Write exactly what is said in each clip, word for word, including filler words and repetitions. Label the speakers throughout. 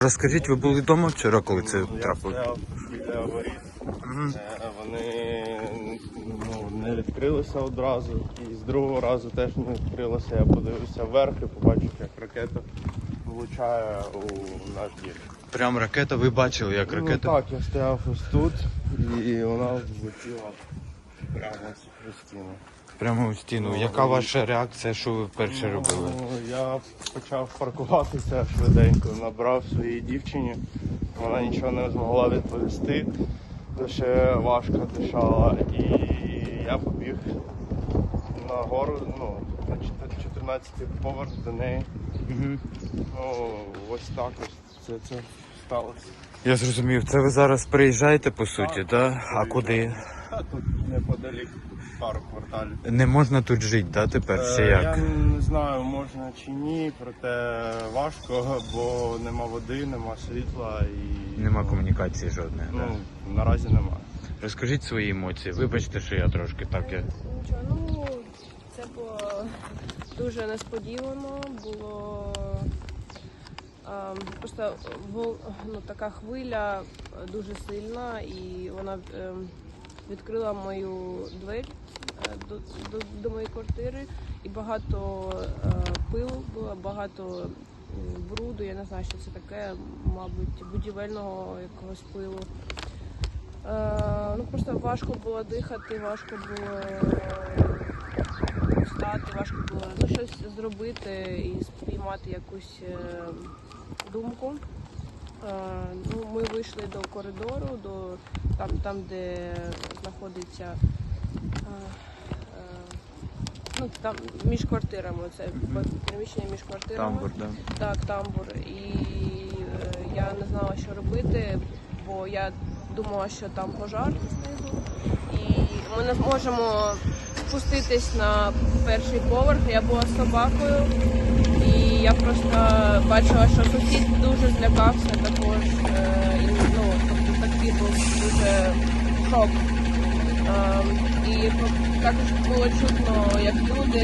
Speaker 1: Розкажіть, ви були вдома вчора, коли це трапилось?
Speaker 2: Я стояв біля воріт.
Speaker 1: Мгм.
Speaker 2: Е, Вони ну, не відкрилися одразу, і з другого разу теж не відкрилося. Я подивився вверх і побачив, як ракета влучає у наш дім.
Speaker 1: Прям ракета, ви бачили, як
Speaker 2: Ну
Speaker 1: ракета?
Speaker 2: так, я стояв ось тут, і вона влетіла прямо у стіну.
Speaker 1: Прямо у стіну. Яка ваша реакція, що ви вперше робили?
Speaker 2: Ну, я почав паркуватися швиденько, набрав своїй дівчині. Вона нічого не змогла відповісти, то ще важко дишала. І я побіг нагору, ну, на чотирнадцятий поверх до неї.
Speaker 1: Угу.
Speaker 2: Ну, ось так ось це, це сталося.
Speaker 1: Я зрозумів, це ви зараз приїжджаєте по суті, так? Да? А куди?
Speaker 2: А тут неподалік пару кварталів.
Speaker 1: Не можна тут жити, да, тепер? Чи
Speaker 2: Е,
Speaker 1: як?
Speaker 2: Я не знаю, можна чи ні, проте важко, бо нема води, нема світла і
Speaker 1: Нема
Speaker 2: ну,
Speaker 1: комунікації жодної.
Speaker 2: Ну,
Speaker 1: Да?
Speaker 2: наразі немає.
Speaker 1: Розкажіть свої емоції. Вибачте, що я трошки так. Я...
Speaker 3: Нічого, ну це було дуже несподівано, було а, просто вол- ну, така хвиля дуже сильна, і вона е, відкрила мою двері е, до, до, до моєї квартири, і багато е, пилу було, багато м, бруду, я не знаю, що це таке, мабуть, будівельного якогось пилу. Е, ну просто важко було дихати, важко було встати, важко було ну, щось зробити і спіймати якусь е, думку. Е, ну, ми вийшли до коридору, до там, там де знаходиться е, е, ну, там між квартирами, це приміщення між квартирами.
Speaker 1: Тамбур, да?
Speaker 3: Так, тамбур. І е, я не знала, що робити, бо я думала, що там пожар знизу. І ми не зможемо спуститись на перший поверх. Я була з собакою. І я просто бачила, що сусід дуже злякався також. Е, і, ну, тобто такий був дуже шок. Е, і також було чутно, як люди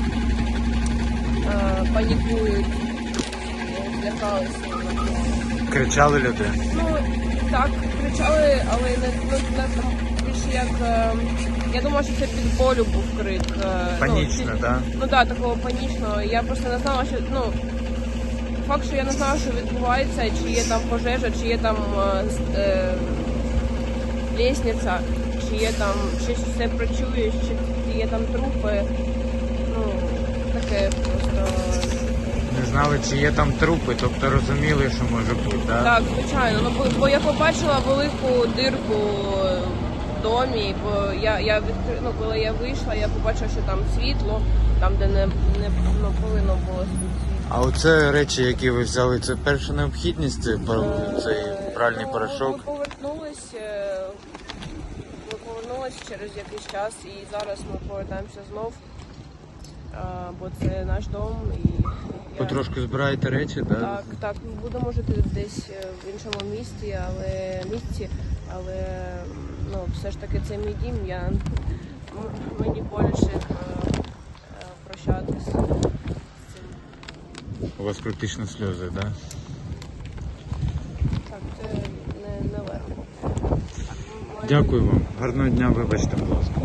Speaker 3: е, панікують, злякалися.
Speaker 1: Кричали люди?
Speaker 3: Ну, так, кричали, але не, ну, не там більше як. Е, я думала, що це від болю був крик. Е,
Speaker 1: Панічно,
Speaker 3: ну,
Speaker 1: так?
Speaker 3: Ну так, да, такого панічного. Я просто не знала, що ну факт, що я не знала, що відбувається, чи є там пожежа, чи є там е, е, лісниця, чи є там чи все працює, чи є там трупи. Ну, таке просто.
Speaker 1: Не знали, чи є там трупи, тобто розуміли, що може бути, так?
Speaker 3: Так, звичайно. Ну, бо, бо я побачила велику дирку в домі, бо я, я відкри... ну, коли я вийшла, я побачила, що там світло, там, де не, не ну, повинно було світло.
Speaker 1: А оце речі, які ви взяли, це перша необхідність, це пар- цей пральний
Speaker 3: Ну,
Speaker 1: порошок?
Speaker 3: Ми повернулись, е, ми повернулись через якийсь час, і зараз ми повертаємося знов, е, бо це наш дом. І я...
Speaker 1: Потрошку збираєте речі, так?
Speaker 3: Так, так, ми будемо жити десь е, в іншому місті, але місці, але ну, все ж таки це мій дім, я м- мені боляче е, е, прощатись з цим.
Speaker 1: У вас практично сльози, так? Да?
Speaker 3: Так, це не, не легко.
Speaker 1: Дякую вам. Гарного дня, вибачте, будь ласка.